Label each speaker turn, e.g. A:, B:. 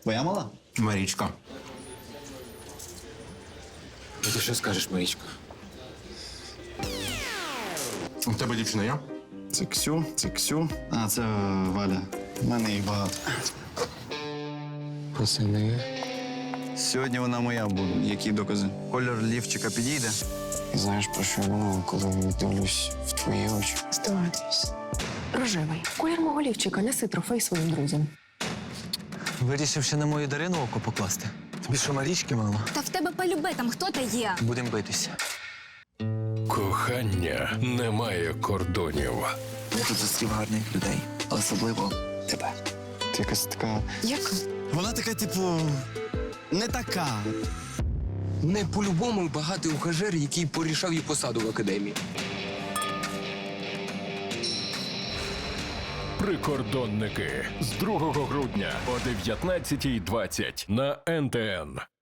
A: Твоя мала?
B: Марічка.
C: Ти що скажеш, Марічка?
B: У тебе дівчина є?
A: Це Ксю. А, це Валя. У мене їх багато.
C: Пацани.
A: Сьогодні вона моя буде. Які докази? Колір лівчика підійде?
C: Знаєш, про що я думаю, коли дивлюсь в твої очі?
D: Здогадуюсь. Рожевий. Колір мого лівчика. Неси трофей своїм друзям.
E: Вирішив ще на мою Дарину око покласти. Тобі що, Марічки мало?
F: Та в тебе полюбе там хто-то є.
E: Будемо битися.
G: Кохання не має кордонів.
E: Я тут зустрів гарних людей, особливо тебе.
C: Ти якась така.
D: Яка?
A: Вона така, типу, не така.
H: Не по-любому багатий ухажер, який порішав їй посаду в академії.
G: Прикордонники з 2 грудня о 19:20 на НТН.